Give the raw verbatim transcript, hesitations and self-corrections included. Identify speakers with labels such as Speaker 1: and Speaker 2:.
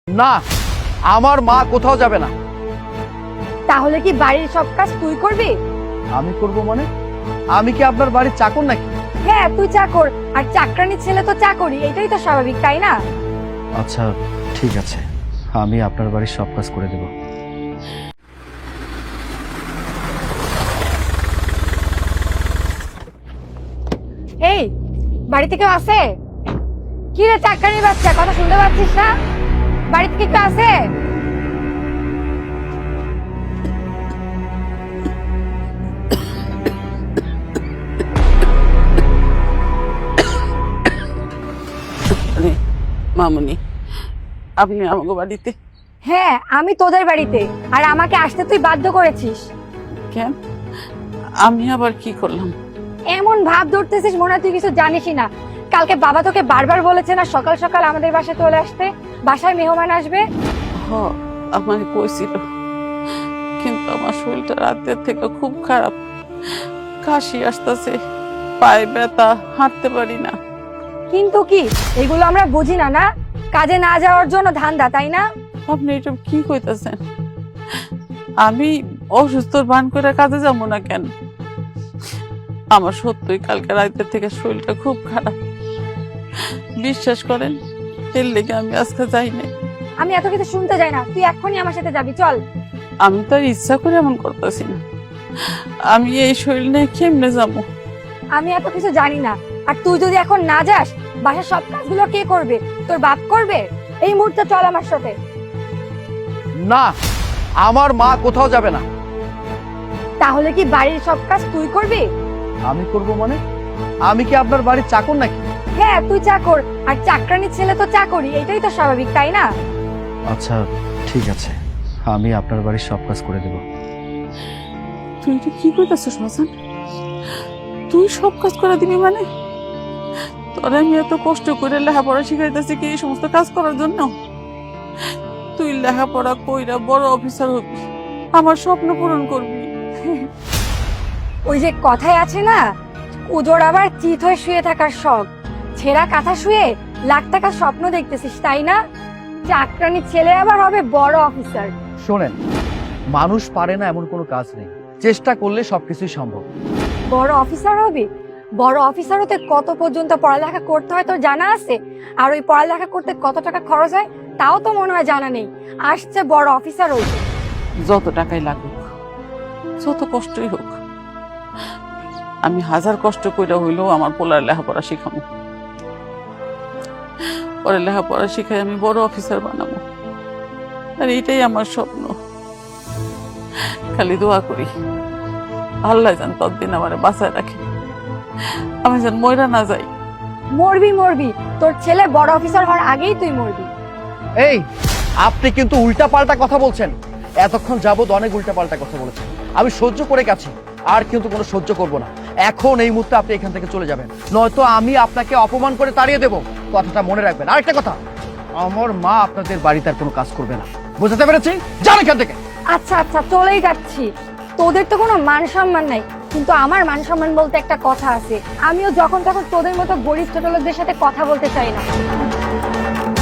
Speaker 1: না, আমার মা কোথাও যাবে না।
Speaker 2: তাহলে কি বাড়ির সব কাজ তুই করবি?
Speaker 1: আমি করব মানে? আমি কি আপনার বাড়ির চাকর নাকি?
Speaker 2: হ্যাঁ, তুই চাকর, আর চাকরানির ছেলে তো চাকরি, এটাই তো স্বাভাবিক, তাই না?
Speaker 1: আচ্ছা ঠিক আছে, আমি আপনার বাড়ির সব কাজ করে দেব।
Speaker 2: এই, বাড়িতে কেউ আছে? কি রে চাকরানির বাচ্চা, কথা শুনতে পাচ্ছিস না? বাড়িতে কি কেউ আছে?
Speaker 3: মামুনি, আপনি আমাকে বাড়িতে?
Speaker 2: হ্যাঁ, আমি তোদের বাড়িতে, আর আমাকে আসতে তুই বাধ্য করেছিস।
Speaker 3: কেন? আমি আবার কি করলাম?
Speaker 2: এমন ভাব ধরতেছিস মনে হয় তুই কিছু জানিসই না। কালকে বাবা তোকে বারবার বলেছে না সকাল সকাল আমাদের বাসায় চলে আসতে, বাসায় মেহমান আসবে।
Speaker 3: হ, আমার কইছিল, কিন্তু আমার শরীরটা রাতের থেকে খুব খারাপ। কাশি আসতেছে, পায়ে ব্যথা, হাঁটতে পারি না।
Speaker 2: কিন্তু কি এগুলো আমরা বুঝি না? না, কাজে না যাওয়ার জন্য ধান্দা, তাই না?
Speaker 3: আপনি এটা কি কইতাছেন? আমি অসুস্থর ভান করে কাজে যাবো না কেন? আমার সত্যই কালকে রাতের থেকে শরীরটা খুব খারাপ। বিশ্বাস করেন, এর লেগে আমি আজকে যাই না।
Speaker 2: আমি এত কিছু শুনতে যাই না, তুই এখনই আমার সাথে যাবি, চল।
Speaker 3: আমি তো আর ইচ্ছা করে এমন করতেছি না। আমি এই শরীর নিয়ে কেমনে যাবো?
Speaker 2: আমি এত কিছু জানি না, আর তুই যদি এখন না যাস, বাসার সব কাজগুলো কে করবে? তোর বাপ করবে? এই মুহূর্তে চল আমার সাথে।
Speaker 1: না, আমার মা কোথাও যাবে না।
Speaker 2: তাহলে কি বাড়ির সব কাজ তুই করবি?
Speaker 1: আমি করব মানে? আমি কি আপনার বাড়ির চাকর নাকি?
Speaker 2: হ্যাঁ, তুই চাকর, আর চাকরানির ছেলে তো চাকরি, এটাই তো স্বাভাবিক, তাই না?
Speaker 1: আচ্ছা ঠিক আছে, আমি আপনার বাড়ির সব কাজ করে দেব।
Speaker 3: তুই এটা কি কইতাছিস হাসান? তুই সব কাজ করে দিবি মানে? তোর আমি এত কষ্ট করে লেখাপড়া শিখাইতেছি কি এই সমস্ত কাজ করার জন্য? তুই লেখাপড়া কইরা বড় অফিসার হবি, আমার স্বপ্ন পূরণ করবি।
Speaker 2: ওই যে কথায় আছে না, উজোর আবার চিত হয়ে শুয়ে থাকার শখ, ছেঁড়া কাঁথা শুয়ে লাখ টাকার স্বপ্ন দেখতেছিস, তাই না? চাকরানির ছেলে আবার হবে বড় অফিসার।
Speaker 1: শোনেন, মানুষ পারে না এমন কোনো কাজ নেই, চেষ্টা করলে সবকিছুই সম্ভব।
Speaker 2: বড় অফিসার হবি? বড় অফিসার হতে কত পর্যন্ত পড়ালেখা করতে হয় তোর জানা আছে? আর ওই পড়ালেখা করতে কত টাকা খরচ হয় তাও তো মনে হয় জানা নেই। আসছে বড় অফিসার হইতে।
Speaker 3: যত টাকাই লাগুক, যত কষ্টই হোক, আমি হাজার কষ্ট কইরা হইলেও আমার পোলার লেখাপড়া শিখাবো। পরে লেখাপড়া শিখাই আমি বড় অফিসার বানাবো, আর এইটাই আমার স্বপ্ন। খালি দোয়া করি আল্লাহ যেন ততদিন আমার বাঁচায় রাখে, আমি যেন মইরা না যাই।
Speaker 2: মরবি মরবি, তোর ছেলে বড় অফিসার হওয়ার আগেই তুই মরবি।
Speaker 1: এই, আপনি কিন্তু উল্টা পাল্টা কথা বলছেন। এতক্ষণ যাবত অনেক উল্টা পাল্টা কথা বলেছেন, আমি সহ্য করে গেছি, আর কিন্তু কোনো সহ্য করব না। এখন এই মুহূর্তে আপনি এখান থেকে চলে যাবেন, নয়তো আমি আপনাকে অপমান করে তাড়িয়ে দেব। কথাটা মনে রাখবেন। আরেকটা কথা, আমার মা আপনাদের বাড়িতে আর কোনো কাজ করবে না, বুঝতে পেরেছি? যান এখান থেকে।
Speaker 2: আচ্ছা আচ্ছা, চলেই যাচ্ছি। তোদের তো কোনো মান সম্মান নাই, কিন্তু আমার মান সম্মান বলতে একটা কথা আছে। আমিও যখন তখন তোদের মতো গরিব ছোট লোকদের সাথে কথা বলতে চাই না।